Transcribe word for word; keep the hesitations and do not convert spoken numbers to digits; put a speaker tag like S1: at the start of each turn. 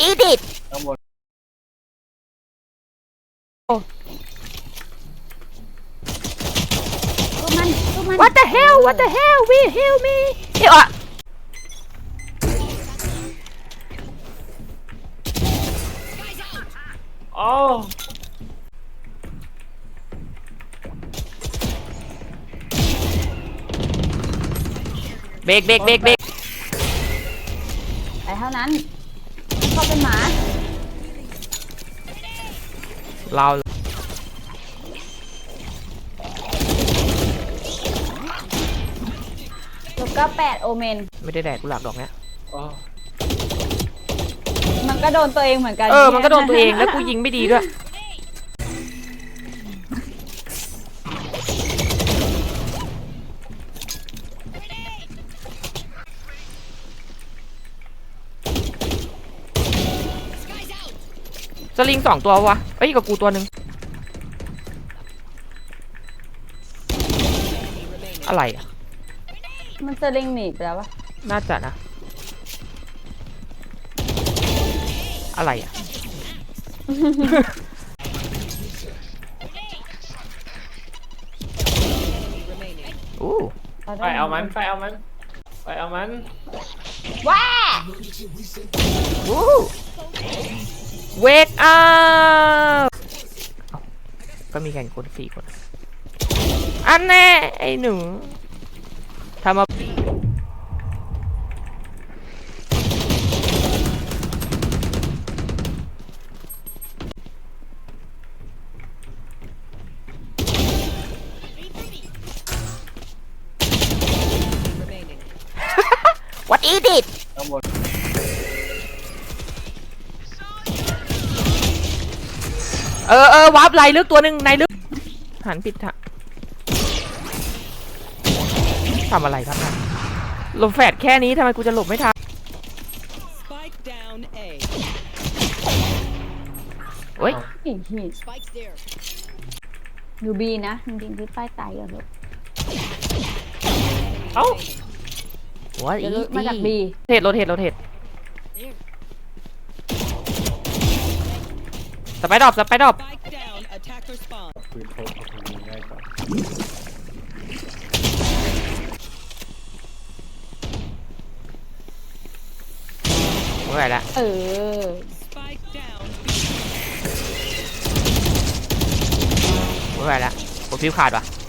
S1: is it
S2: ข้างบน
S3: สู้มันสู้มัน
S1: What the hell What the hell Will help me เฮ้ยอ่ะ
S2: อ๋อ
S1: เบรกเบรกเบรกเบรก
S3: ไปเท่านั้นเขาเป็นหมา
S1: เรา
S3: ลูกก็แปดโอเมน
S1: ไม่ได้แดกกูหลักดอกเนี้ย
S2: อ๋อ
S3: มันก็โดนตัวเองเหมือนกัน
S1: เออมันก็โดนตัวเองแล้วกูยิงไม่ดีด้วยสลิงสองตัววะเอ้ยกับกูตัวหนึ่งอะไรอ่ะ
S3: มันจะลิงหนีไปแล้ววะ
S1: น่าจะนะอะไรอ่ะ อู้
S2: ไปเอามันไปเอามันไปเอามัน
S3: ว้า
S1: อู้เวกอัพก็มีแข่งคนสี่คน อันแน่ไอ้หนูทำมาวัดอีดิท
S2: ข้างบน
S1: เออเออวาร์ปไหลลึกตัวหนึ่งในลึกหันผิดทางทำอะไรครับนะหลบแฟดแค่นี้ทำไมกูจะหลบไม่ทันเฮ้ย
S3: หินหินอยู่บีนะจริงๆที่ป้ายตายอย่างเดียว
S2: เอ้า
S1: หัวอี
S3: เดี๋ยวลุกมาจากบี
S1: เทรดโรเทตโรเทตสไปดรอปสไปดรอป
S2: ปืนโคตรทำง่ายกว่า
S1: เมื่อไหร่ละ
S3: เออ
S1: เมื่อไหร่ละผมฟิวขาดว่ะ